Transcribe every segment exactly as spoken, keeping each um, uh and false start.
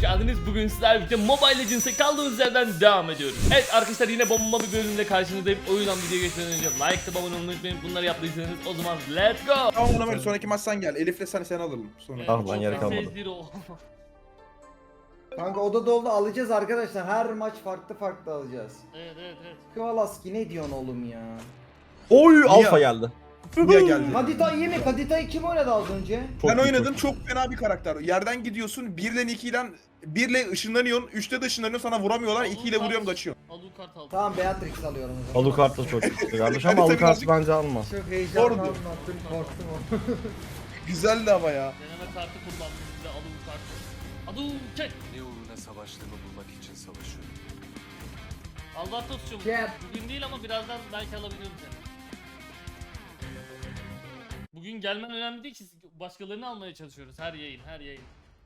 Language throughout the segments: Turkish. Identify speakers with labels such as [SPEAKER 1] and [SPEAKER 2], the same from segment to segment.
[SPEAKER 1] geldiniz. Bugün sizlerle birlikte Mobile Legends'e kaldığımız yerden devam ediyoruz. Evet arkadaşlar, yine bomba bir bölümle karşınızdayım. O yüzden videoya geçmeden önce like tıklayıp abone olmayı unutmayın. Bunları yaptıysanız o zaman let's go.
[SPEAKER 2] Tamam ona böyle sonraki maç sen gel. Elif'le sen sen alalım. Sonra.
[SPEAKER 3] Ah lan, yer kalmadı.
[SPEAKER 4] Kanka oda doldu, alacağız arkadaşlar. Her maç farklı farklı alacağız.
[SPEAKER 1] Evet evet evet.
[SPEAKER 4] Kıvalaski ne diyorsun oğlum ya?
[SPEAKER 3] Oy, alfa geldi.
[SPEAKER 2] Niye geldi?
[SPEAKER 4] Kadita iyi mi? Kadita'yı kim oynadı az önce?
[SPEAKER 3] Çok
[SPEAKER 2] Ben
[SPEAKER 3] iyi,
[SPEAKER 2] oynadım,
[SPEAKER 3] çok iyi.
[SPEAKER 2] çok fena bir karakter. Yerden gidiyorsun, bir ile iki ile bir ile ışınlanıyorsun, üçte de ışınlanıyorsun, sana vuramıyorlar, iki ile vuruyorum kaçıyorsun.
[SPEAKER 1] Alucard aldım.
[SPEAKER 4] Tamam, Beatrix alıyorum o zaman.
[SPEAKER 3] Alucard da çok iyi kardeş
[SPEAKER 2] Hadi
[SPEAKER 3] ama
[SPEAKER 2] tabii
[SPEAKER 3] Alucard
[SPEAKER 2] birazcık-
[SPEAKER 3] bence alma.
[SPEAKER 4] Çok heyecanlı
[SPEAKER 2] Doğru.
[SPEAKER 4] anlattın, korktum o.
[SPEAKER 2] Güzeldi ama ya.
[SPEAKER 1] Deneme kartı kullandım bir de Alucard. Alucard.
[SPEAKER 5] Ne uğruna savaştığımı bulmak için savaşıyorum.
[SPEAKER 1] Albatos'cum.
[SPEAKER 4] Gel.
[SPEAKER 1] Bugün değil ama birazdan belki alabilirim seni. Bugün gelmen önemli değil ki, başkalarını almaya çalışıyoruz her yayın her yayın.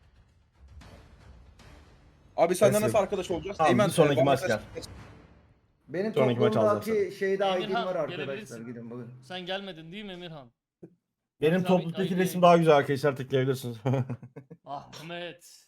[SPEAKER 2] Abi senden
[SPEAKER 3] Neyse.
[SPEAKER 2] nasıl arkadaş olacağız?
[SPEAKER 3] Tamam, bir sonraki
[SPEAKER 2] bana
[SPEAKER 3] maç
[SPEAKER 2] mesaj-
[SPEAKER 4] Benim
[SPEAKER 3] Sonraki maç
[SPEAKER 4] toplumdaki
[SPEAKER 3] alacağız.
[SPEAKER 4] şeyde I D'm
[SPEAKER 1] Emirhan,
[SPEAKER 4] var arkadaşlar,
[SPEAKER 1] gelebilirsin.
[SPEAKER 4] gidin bakın.
[SPEAKER 1] Sen gelmedin değil mi Emirhan?
[SPEAKER 3] Benim
[SPEAKER 1] Tabii,
[SPEAKER 3] topluluktaki
[SPEAKER 1] tabii.
[SPEAKER 3] resim daha güzel arkadaşlar, tıklayabilirsiniz.
[SPEAKER 1] Ahmet.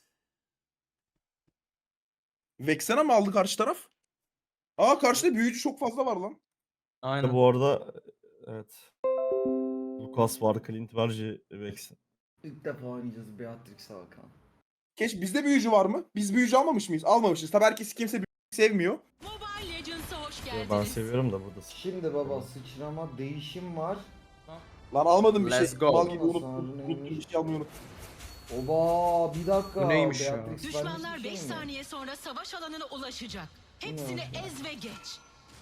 [SPEAKER 2] Vexena mı aldı karşı taraf? Aa, karşıda büyücü çok fazla var lan.
[SPEAKER 3] Aynen. Bu arada evet. Lucas var, Clint var, Vex.
[SPEAKER 4] İlk defa oynayacağız Beatrix Hakan.
[SPEAKER 2] Keş bizde büyücü var mı? Biz büyücü almamış mıyız? Almamışız. Tabii herkes kimse büyücü sevmiyor.
[SPEAKER 6] Mobile Legends'a hoş
[SPEAKER 3] Ben
[SPEAKER 6] geldiniz.
[SPEAKER 3] seviyorum da burada.
[SPEAKER 4] Şimdi baba sıçrama değişim var.
[SPEAKER 2] Lan almadım bir
[SPEAKER 5] Let's
[SPEAKER 2] şey.
[SPEAKER 5] go.
[SPEAKER 2] Mal gibi unuttum.
[SPEAKER 4] Sonra
[SPEAKER 2] Unuttum,
[SPEAKER 4] neymiş?
[SPEAKER 2] bir şey almayı unuttum.
[SPEAKER 4] Oba bir dakika.
[SPEAKER 5] Bu neymiş ya?
[SPEAKER 4] Beatrix
[SPEAKER 6] Düşmanlar
[SPEAKER 4] vermiş bir
[SPEAKER 6] beş
[SPEAKER 4] şey mi?
[SPEAKER 6] saniye sonra savaş alanına ulaşacak. Hepsini
[SPEAKER 4] Ne
[SPEAKER 6] ez ve geç.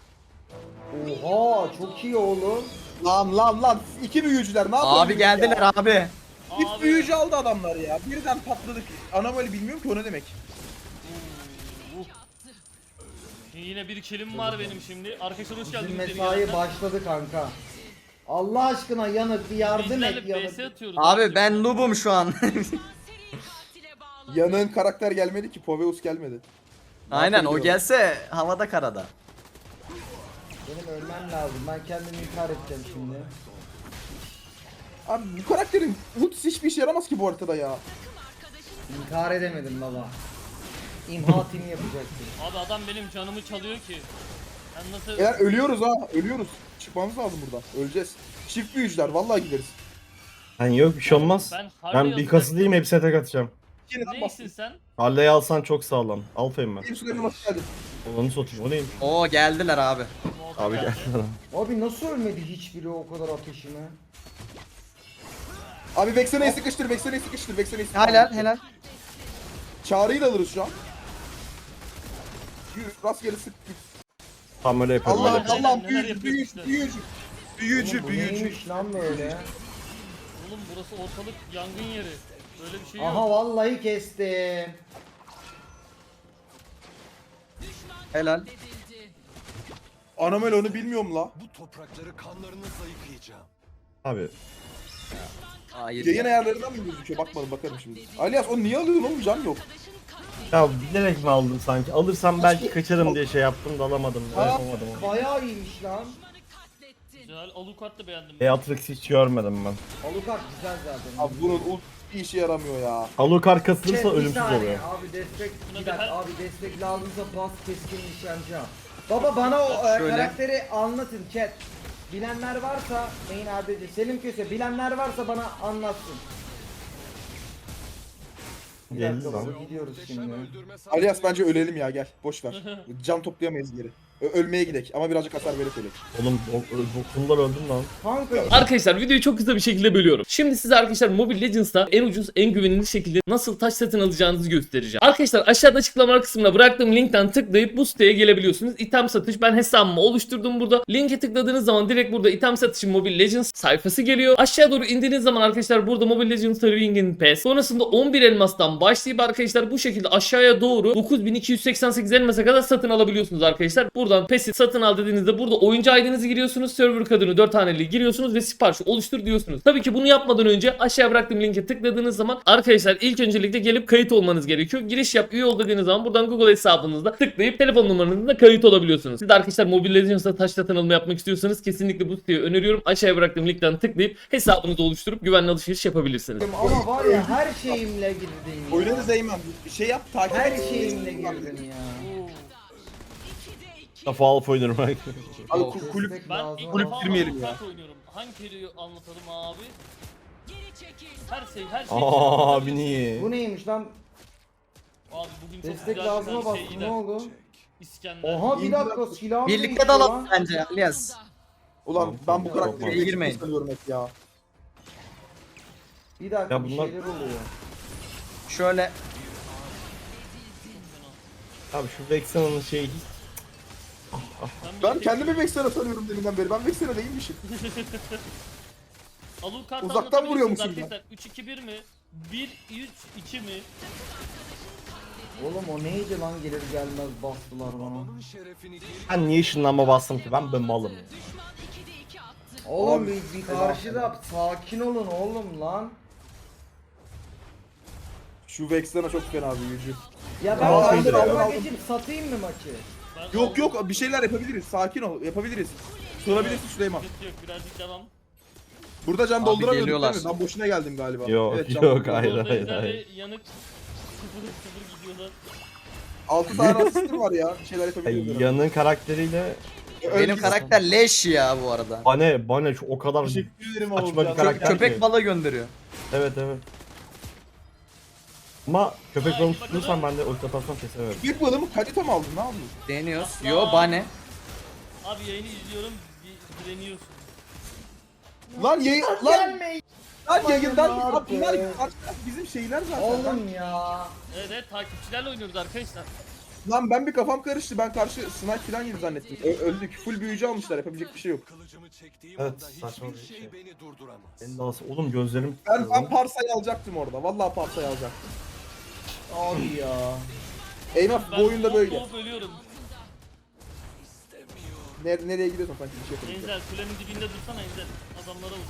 [SPEAKER 4] Oha çok iyi oğlum.
[SPEAKER 2] Lan lan lan. İki büyücüler ne yapıyorsun?
[SPEAKER 5] Abi geldiler
[SPEAKER 2] ya?
[SPEAKER 5] abi.
[SPEAKER 2] Çift
[SPEAKER 1] Abi.
[SPEAKER 2] büyücü aldı adamlar ya. Birden patladık. Anomali bilmiyorum ki o ne demek.
[SPEAKER 1] Uh. Yine bir kilim var benim şimdi. Arkadaşlar hoş
[SPEAKER 4] Bizim
[SPEAKER 1] geldiniz. yeni
[SPEAKER 4] mesai
[SPEAKER 1] gelenler.
[SPEAKER 4] başladı kanka. Allah aşkına Yanık bir yardım
[SPEAKER 1] Bizlerle
[SPEAKER 4] et Yanık.
[SPEAKER 1] B S atıyoruz.
[SPEAKER 5] Abi ben noobum şu an.
[SPEAKER 6] Seri katile bağlı.
[SPEAKER 2] Yanığın karakter gelmedi ki. Poveus gelmedi.
[SPEAKER 5] Aynen o
[SPEAKER 2] yapabiliyorum?
[SPEAKER 5] gelse havada karada.
[SPEAKER 4] Benim ölmem lazım. Ben kendimi intihar edeceğim şimdi.
[SPEAKER 2] Abi bu karakterin ultisi hiçbir işe yaramaz ki bu haritada ya.
[SPEAKER 4] İntihar edemedim baba. İmha timi yapacaktım.
[SPEAKER 1] Abi adam benim canımı çalıyor ki. Ben nasıl...
[SPEAKER 2] Eğer ölüyoruz ha. Ölüyoruz. Çıkmamız lazım buradan. Öleceğiz. Çift büyücüler. Vallahi gideriz.
[SPEAKER 3] Hani yok bir şey olmaz.
[SPEAKER 1] Ben
[SPEAKER 3] Ben,
[SPEAKER 1] Harley
[SPEAKER 3] bir kasılayım, hepsine tek atacağım.
[SPEAKER 2] Yeniden
[SPEAKER 1] Neysin
[SPEAKER 2] bastım.
[SPEAKER 1] sen?
[SPEAKER 3] Halley'i alsan çok sağlam. Alfa'yım ben.
[SPEAKER 2] Benim sürelim nasıl geldi?
[SPEAKER 3] Onu satayım, o neymiş?
[SPEAKER 5] Oo geldiler abi.
[SPEAKER 1] Molotov
[SPEAKER 3] Abi
[SPEAKER 1] geldi.
[SPEAKER 3] gel.
[SPEAKER 4] Abi nasıl ölmedi hiçbiri o kadar ateşime?
[SPEAKER 2] Abi Vexena'yı sıkıştır. Vexena'yı sıkıştır. Vexena'yı sıkıştır.
[SPEAKER 5] Helal helal.
[SPEAKER 2] Çağrı'yı da alırız şu an. Yürü, rastgele sık.
[SPEAKER 3] Tam öyle yapıyorum.
[SPEAKER 2] Allah
[SPEAKER 3] öyle.
[SPEAKER 2] Allah
[SPEAKER 1] Neler
[SPEAKER 2] büyücü
[SPEAKER 1] yapıyor
[SPEAKER 2] büyücü
[SPEAKER 1] işte.
[SPEAKER 2] büyücü. Büyücü
[SPEAKER 4] Oğlum bu
[SPEAKER 2] büyücü.
[SPEAKER 4] neymiş lan böyle?
[SPEAKER 1] Oğlum burası ortalık yangın yeri. Böyle bir şey
[SPEAKER 4] Aha
[SPEAKER 1] yok.
[SPEAKER 4] vallahi kestim.
[SPEAKER 5] Helal.
[SPEAKER 2] Anomali onu bilmiyorum la.
[SPEAKER 7] Bu toprakları kanlarınızla yıkayacağım.
[SPEAKER 3] Abi
[SPEAKER 5] Hayır.
[SPEAKER 2] Yayın
[SPEAKER 5] ya.
[SPEAKER 2] ayarlarından mı gözüküyor? Bakmadım bakarım şimdi. Alias o niye alıyorsun oğlum, can yok.
[SPEAKER 3] ya bilerek mi aldım sanki? Alırsam belki kaçarım diye şey yaptım da alamadım.
[SPEAKER 2] Aa.
[SPEAKER 3] Yapamadım onu.
[SPEAKER 4] Bayağı iyiymiş lan.
[SPEAKER 1] Güzel. Alucard da beğendim.
[SPEAKER 3] Beatrix hiç görmedim ben.
[SPEAKER 4] Alucard güzel zaten.
[SPEAKER 2] Abi bunun ult bir işe yaramıyor ya.
[SPEAKER 3] Alucard kasılırsa
[SPEAKER 4] Chat, bir
[SPEAKER 3] ölümsüz
[SPEAKER 4] saniye.
[SPEAKER 3] oluyor.
[SPEAKER 4] Abi destek
[SPEAKER 1] Buna
[SPEAKER 4] bir
[SPEAKER 1] bir
[SPEAKER 4] dakika
[SPEAKER 1] her-
[SPEAKER 4] abi destek lazımsa bas keskin nişancı. Baba bana o e,
[SPEAKER 5] Şöyle.
[SPEAKER 4] karakteri anlatın chat. Bilenler varsa main A D C Selim Köse bilenler varsa bana anlatsın. Bir
[SPEAKER 3] Geldi
[SPEAKER 4] dakika
[SPEAKER 3] lan.
[SPEAKER 4] baba, gidiyoruz şimdi.
[SPEAKER 2] Alias bence ölelim ya, gel. Boş ver. Can toplayamayız geri. Ö- ölmeye gidek ama birazcık hasar verip ölek.
[SPEAKER 3] Oğlum dokundular, öldüm lan.
[SPEAKER 4] Kanka
[SPEAKER 1] Arkadaşlar videoyu çok kısa bir şekilde bölüyorum. Şimdi size arkadaşlar Mobile Legends'ta en ucuz, en güvenilir şekilde nasıl taş satın alacağınızı göstereceğim. Arkadaşlar aşağıda açıklama kısmına bıraktığım linkten tıklayıp bu siteye gelebiliyorsunuz. İtem satış, ben hesabımı oluşturdum burada. Linke tıkladığınız zaman direkt burada item satışı Mobile Legends sayfası geliyor. Aşağı doğru indiğiniz zaman arkadaşlar burada Mobile Legends Ring'in Pass. Sonrasında on bir elmastan başlayıp arkadaşlar bu şekilde aşağıya doğru dokuz bin iki yüz seksen sekiz elmasa kadar satın alabiliyorsunuz arkadaşlar. Burada buradan PES'i satın al dediğinizde burada oyuncu I D'nizi giriyorsunuz. Server kodunu dört haneli giriyorsunuz ve sipariş oluştur diyorsunuz. Tabii ki bunu yapmadan önce aşağıya bıraktığım linke tıkladığınız zaman arkadaşlar ilk öncelikle gelip kayıt olmanız gerekiyor. Giriş yap, üye ol dediğiniz zaman buradan Google hesabınızda tıklayıp telefon numaranızla kayıt olabiliyorsunuz. Siz de arkadaşlar Mobile Legends'ta taş satın alımı yapmak istiyorsanız kesinlikle bu siteyi öneriyorum. Aşağıya bıraktığım linkten tıklayıp hesabınızı oluşturup güvenli alışveriş yapabilirsiniz.
[SPEAKER 4] Ama var ya her şeyimle girdin ya.
[SPEAKER 2] Oynarız Eymen. Şey yap takip
[SPEAKER 4] Her
[SPEAKER 2] et.
[SPEAKER 4] şeyimle girdin ya.
[SPEAKER 3] Defa alıp oynarım.
[SPEAKER 2] Abi ku- kulüp
[SPEAKER 4] Destek
[SPEAKER 1] Ben
[SPEAKER 4] lazım
[SPEAKER 1] ilk
[SPEAKER 4] ama-
[SPEAKER 1] defa
[SPEAKER 2] girmeyelim ya.
[SPEAKER 1] Alucard oynuyorum. Hangi periyi anlatalım abi?
[SPEAKER 6] Geri çekil.
[SPEAKER 1] Her şey, her şey.
[SPEAKER 3] Aa abi niye?
[SPEAKER 4] Bu neymiş lan?
[SPEAKER 1] Abi bugün çok
[SPEAKER 4] Destek
[SPEAKER 1] güzel
[SPEAKER 4] lazıma
[SPEAKER 1] bir
[SPEAKER 4] bastım
[SPEAKER 1] şey
[SPEAKER 4] ne
[SPEAKER 1] gider.
[SPEAKER 4] oldu?
[SPEAKER 1] İskender.
[SPEAKER 4] Oha bir dakika silahım
[SPEAKER 5] Birlikte
[SPEAKER 4] değişti
[SPEAKER 5] dalalım
[SPEAKER 4] lan.
[SPEAKER 5] bence Alias.
[SPEAKER 2] Ulan ben bu
[SPEAKER 3] Çok
[SPEAKER 2] karakteri
[SPEAKER 3] mantıklı.
[SPEAKER 5] Girmeyin.
[SPEAKER 2] sanıyorum hep ya.
[SPEAKER 4] Bir dakika
[SPEAKER 3] Ya
[SPEAKER 4] bir
[SPEAKER 3] bunlar-
[SPEAKER 4] şeyler oluyor.
[SPEAKER 5] Şöyle
[SPEAKER 3] Abi şu Vexena'nın şeyi hiç...
[SPEAKER 2] Ben kendimi Vexen'a sanıyorum deminden beri. Ben Vexen'a değilmişim.
[SPEAKER 1] Alucard
[SPEAKER 2] Uzaktan vuruyormuşum ben.
[SPEAKER 1] arkadaşlar. üç iki bir mi? bir üç iki mi?
[SPEAKER 4] Oğlum o neydi lan gelir gelmez bastılar bana.
[SPEAKER 7] Babanın şerefini geri
[SPEAKER 3] Ben niye ışınlanma bastım ki? Ben ben malım ya.
[SPEAKER 6] Düşman ikide iki attı.
[SPEAKER 4] Oğlum
[SPEAKER 2] Abi,
[SPEAKER 4] bir, bir karşıda sakin olun oğlum lan.
[SPEAKER 2] Şu Vexen'a çok fena büyücü.
[SPEAKER 4] Ya ben
[SPEAKER 3] Aa,
[SPEAKER 4] karşı
[SPEAKER 3] şeydir
[SPEAKER 4] tarafa
[SPEAKER 2] ya.
[SPEAKER 4] geçip satayım mı maçı?
[SPEAKER 1] Ben
[SPEAKER 2] Yok yok bir şeyler yapabiliriz. Sakin ol. Yapabiliriz. Sorabilirsin Süleyman.
[SPEAKER 1] Sıkıntı yok, birazcık devam.
[SPEAKER 2] Burada can
[SPEAKER 5] Abi
[SPEAKER 2] dolduramıyorduk
[SPEAKER 5] geliyorlar.
[SPEAKER 2] değil mi? Ben boşuna geldim galiba.
[SPEAKER 3] Yok,
[SPEAKER 2] evet, can
[SPEAKER 3] yok,
[SPEAKER 2] doldurdum.
[SPEAKER 3] hayır,
[SPEAKER 1] Orada
[SPEAKER 3] hayır,
[SPEAKER 1] Ejder
[SPEAKER 3] hayır.
[SPEAKER 1] ve yanık sıfır sıfır gidiyorlar.
[SPEAKER 2] altı tane asistim var ya. Bir şeyler
[SPEAKER 3] Ay,
[SPEAKER 2] yapabiliyorum.
[SPEAKER 3] yanın karakteriyle
[SPEAKER 5] benim karakter leş ya bu arada.
[SPEAKER 3] Bane Bane şu o kadar
[SPEAKER 2] Teşekkür ederim
[SPEAKER 3] saçma
[SPEAKER 2] oğlum
[SPEAKER 3] bir
[SPEAKER 2] ya.
[SPEAKER 3] karakter.
[SPEAKER 5] Köpek
[SPEAKER 3] ki.
[SPEAKER 5] balığı gönderiyor.
[SPEAKER 3] Evet evet. Ama köpek
[SPEAKER 1] Ay,
[SPEAKER 3] balığı
[SPEAKER 1] bakalım.
[SPEAKER 3] tutursam ben de ulti atarsam kesemem.
[SPEAKER 2] Büyük balığı mı? Kalite mi aldın? Ne yaptın?
[SPEAKER 5] Deniyoruz.
[SPEAKER 1] Aslan.
[SPEAKER 5] Yo bane.
[SPEAKER 1] Abi yayını izliyorum, bir direniyorsun.
[SPEAKER 2] Lan yayın... Lan,
[SPEAKER 4] Gelmeyin
[SPEAKER 2] lan yayından...
[SPEAKER 4] Aman
[SPEAKER 2] Abi bunlar
[SPEAKER 4] abi.
[SPEAKER 2] bizim şeyler zaten.
[SPEAKER 4] oğlum ya.
[SPEAKER 1] Evet evet, takipçilerle oynuyoruz arkadaşlar.
[SPEAKER 2] Lan ben bir kafam karıştı. Ben karşı snipe falan yedi zannettim. Ö- öldük. Full büyücü almışlar. Yapabilecek bir şey yok.
[SPEAKER 7] kılıcımı çektiğim
[SPEAKER 3] Evet,
[SPEAKER 7] anda
[SPEAKER 3] saçma
[SPEAKER 7] hiçbir
[SPEAKER 3] bir
[SPEAKER 7] şey
[SPEAKER 3] şey.
[SPEAKER 7] beni durduramaz.
[SPEAKER 3] En dahası oğlum gözlerim
[SPEAKER 2] Ben,
[SPEAKER 3] tutuyor
[SPEAKER 2] ben
[SPEAKER 3] lan.
[SPEAKER 2] Parsa'yı alacaktım orada. Vallahi Parsa'yı alacaktım.
[SPEAKER 4] Abi ya.
[SPEAKER 2] Eyvah
[SPEAKER 1] Ben
[SPEAKER 2] bu oyunda
[SPEAKER 1] hop
[SPEAKER 2] böyle.
[SPEAKER 1] hop ölüyorum.
[SPEAKER 2] Ne, nereye gidiyorsun sanki bir şey yapıyorsun.
[SPEAKER 1] Enzel kulenin dibinde dursana Enzel. Adamlara vur.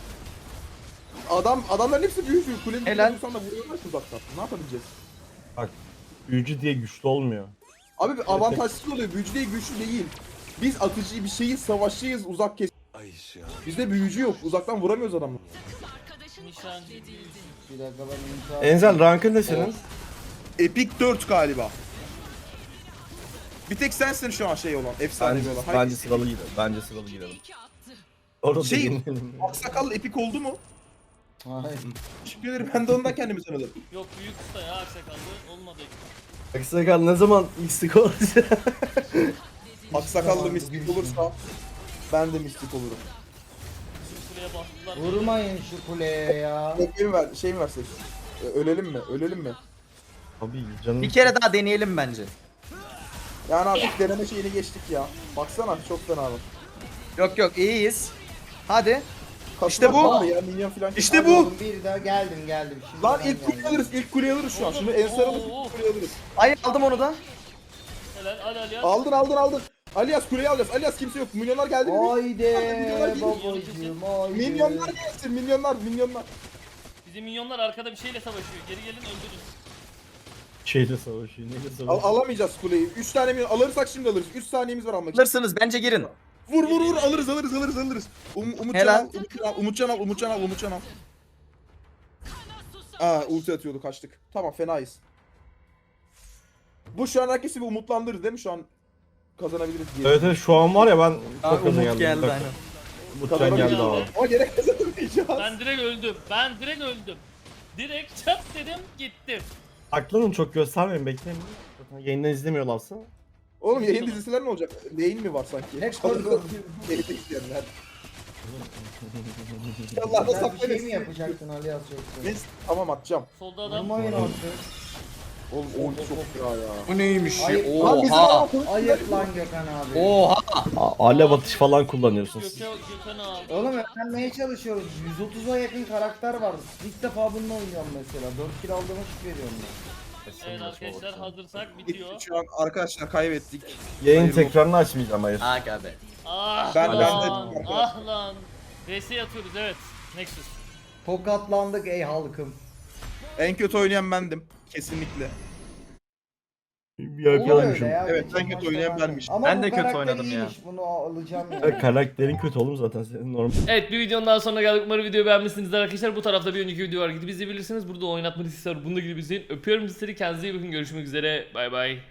[SPEAKER 2] Adam, adamların hepsi büyücü. Kulenin
[SPEAKER 5] Helal.
[SPEAKER 2] dibinde dursan da vuruyorlar ki uzaktan. Ne yapabileceğiz?
[SPEAKER 3] Bak büyücü diye güçlü olmuyor.
[SPEAKER 2] Abi bir avantajsız oluyor. Büyücü değil, güçlü değil. Biz atıcı bir şeyiz, savaşçıyız, uzak kes.
[SPEAKER 7] Ay ya.
[SPEAKER 2] Bizde büyücü yok. Uzaktan vuramıyoruz adamı.
[SPEAKER 6] Arkadaşın
[SPEAKER 1] Nişancı büyücü.
[SPEAKER 4] Bir dakika ben intihar.
[SPEAKER 3] Enzel rankın ne senin?
[SPEAKER 2] Epic dört galiba. Bir tek sensin şu an şey olan, efsane
[SPEAKER 3] Bence,
[SPEAKER 2] olan.
[SPEAKER 3] bence
[SPEAKER 2] Hayır,
[SPEAKER 3] sıralı gidelim. Bence sıralı gidelim.
[SPEAKER 6] iki attı.
[SPEAKER 3] Orada
[SPEAKER 2] Şey-
[SPEAKER 3] yenelim.
[SPEAKER 2] Aksakallı epik oldu mu?
[SPEAKER 4] Hayır.
[SPEAKER 2] Teşekkür ederim. Ben de ondan kendimi sanırım.
[SPEAKER 1] Yok büyük usta ya, aksakallı olmadı.
[SPEAKER 3] Aksakal ne zaman istik olacak?
[SPEAKER 2] Aksakallı mistik olursa ben de mistik olurum.
[SPEAKER 1] Bizim kuleye bastılar.
[SPEAKER 4] Vurmayın şu kuleye ya.
[SPEAKER 2] Şey mi ver, şey mi versek? Ee, Ölelim mi? Ölelim mi?
[SPEAKER 3] Abi canım.
[SPEAKER 5] Bir kere daha deneyelim bence.
[SPEAKER 2] Yani artık deneme şeyini geçtik ya. Baksana çok fena bak.
[SPEAKER 5] Yok yok iyiyiz. Hadi.
[SPEAKER 2] Kaslar
[SPEAKER 5] İşte bu.
[SPEAKER 2] var ya, minyon falan.
[SPEAKER 5] İşte
[SPEAKER 4] Hadi
[SPEAKER 5] bu.
[SPEAKER 4] oğlum, bir daha geldim geldim. Şimdi
[SPEAKER 2] Lan
[SPEAKER 4] ben
[SPEAKER 2] ilk kuleyi
[SPEAKER 4] geldim.
[SPEAKER 2] alırız, ilk kuleyi alırız şu an. Şunu en saralım,
[SPEAKER 1] Oo.
[SPEAKER 2] ilk kuleyi alırız.
[SPEAKER 5] Ay aldım onu da.
[SPEAKER 1] Helal, hadi hadi hadi.
[SPEAKER 2] Aldın aldın aldın. Alias kuleyi alacağız. Alias kimse yok. Milyonlar geldi mi?
[SPEAKER 4] Haydi
[SPEAKER 2] Milyonlar geliyor.
[SPEAKER 4] babacığım haydi.
[SPEAKER 2] Milyonlar gelsin. Milyonlar, milyonlar.
[SPEAKER 1] Bizim minyonlar arkada bir şeyle savaşıyor. Geri gelin öldürün.
[SPEAKER 3] Şeyle savaşıyor. Neyle
[SPEAKER 2] Al,
[SPEAKER 3] savaşıyor?
[SPEAKER 2] alamayacağız kuleyi. üç tane milyon alırsak şimdi alırız. üç saniyemiz var almak için.
[SPEAKER 5] Alırsınız bence girin.
[SPEAKER 2] Vur vur vur alırız alırız alırız alırız. Um, Umutcan
[SPEAKER 5] Helal.
[SPEAKER 2] al, Umutcan al, Umutcan al, Umutcan al, Umutcan al. Aa ulti atıyordu kaçtık. Tamam fenayız. Bu şu an herkesi bir umutlandırır değil mi şu an kazanabiliriz diye.
[SPEAKER 3] Evet evet şu an var ya ben
[SPEAKER 5] Aa,
[SPEAKER 3] çok gaza
[SPEAKER 5] Umut
[SPEAKER 3] geldim.
[SPEAKER 5] geldi
[SPEAKER 3] Bak,
[SPEAKER 5] aynen.
[SPEAKER 3] Umutcan geldi abi.
[SPEAKER 2] Ama gerek kazanamayacağız.
[SPEAKER 1] Ben direkt öldüm. Ben direkt öldüm. Direkt çat dedim gittim.
[SPEAKER 3] Aklını çok göstermeyin bekleyin. Zaten yayından izlemiyorlarsa.
[SPEAKER 2] Oğlum yayın dizisiler ne olacak? Neyin mi var sanki?
[SPEAKER 4] Ne korku.
[SPEAKER 2] Yayında izleyenler. Allah da
[SPEAKER 4] Sen bir şey mi
[SPEAKER 2] saklayın.
[SPEAKER 4] yapacaktın Ali Az yoksa?
[SPEAKER 2] Neyse tamam atacağım.
[SPEAKER 1] Solda adam.
[SPEAKER 4] Vurmayın artık.
[SPEAKER 2] Oğlum oğlum çok ya ya.
[SPEAKER 5] Bu neymiş ya?
[SPEAKER 4] Ay-
[SPEAKER 2] Lan bizi
[SPEAKER 5] Oha.
[SPEAKER 2] ama koy-
[SPEAKER 4] Ayıp lan Gökhan abi.
[SPEAKER 5] Oha.
[SPEAKER 3] A- alev atış falan kullanıyorsun siz.
[SPEAKER 1] Göke, Gökhan abi.
[SPEAKER 4] Oğlum öğrenmeye çalışıyoruz. yüz otuza yakın karakter var. İlk defa bununla oynuyorum mesela. dört kill aldığıma şık veriyorum ben.
[SPEAKER 1] Evet arkadaşlar hazırsak bitiyor.
[SPEAKER 2] Şu an arkadaşlar kaybettik.
[SPEAKER 3] Yayın
[SPEAKER 2] Hayır,
[SPEAKER 3] tekrarını açmayacağım hayır.
[SPEAKER 5] Aga be.
[SPEAKER 1] Ah
[SPEAKER 2] Ben- ben de-
[SPEAKER 1] lan, ah lan. V S atıyoruz evet. Nexus.
[SPEAKER 4] Tokatlandık ey halkım.
[SPEAKER 2] En kötü oynayan bendim. Kesinlikle.
[SPEAKER 3] Bir
[SPEAKER 4] Olur
[SPEAKER 3] arkadaşım.
[SPEAKER 4] öyle ya.
[SPEAKER 2] Evet,
[SPEAKER 4] geçen
[SPEAKER 2] en kötü
[SPEAKER 4] maçta
[SPEAKER 2] oynayan
[SPEAKER 4] vardı.
[SPEAKER 2] benmiş.
[SPEAKER 4] Ama
[SPEAKER 5] Ben
[SPEAKER 4] bu
[SPEAKER 5] de kötü
[SPEAKER 4] karakter
[SPEAKER 5] oynadım ya.
[SPEAKER 4] iyiymiş, bunu alacağım ya.
[SPEAKER 3] Ya karakterin kötü oğlum zaten senin normal.
[SPEAKER 1] Evet bir videonun daha sonuna geldik. Umarım videoyu beğenmişsinizdir arkadaşlar. Bu tarafta bir önceki video var. Gidip izleyebilirsiniz. Burada oynatma listesi var. Bunu da gidip izleyin. Öpüyorum sizleri. Kendinize iyi bakın. Görüşmek üzere. Bay bay.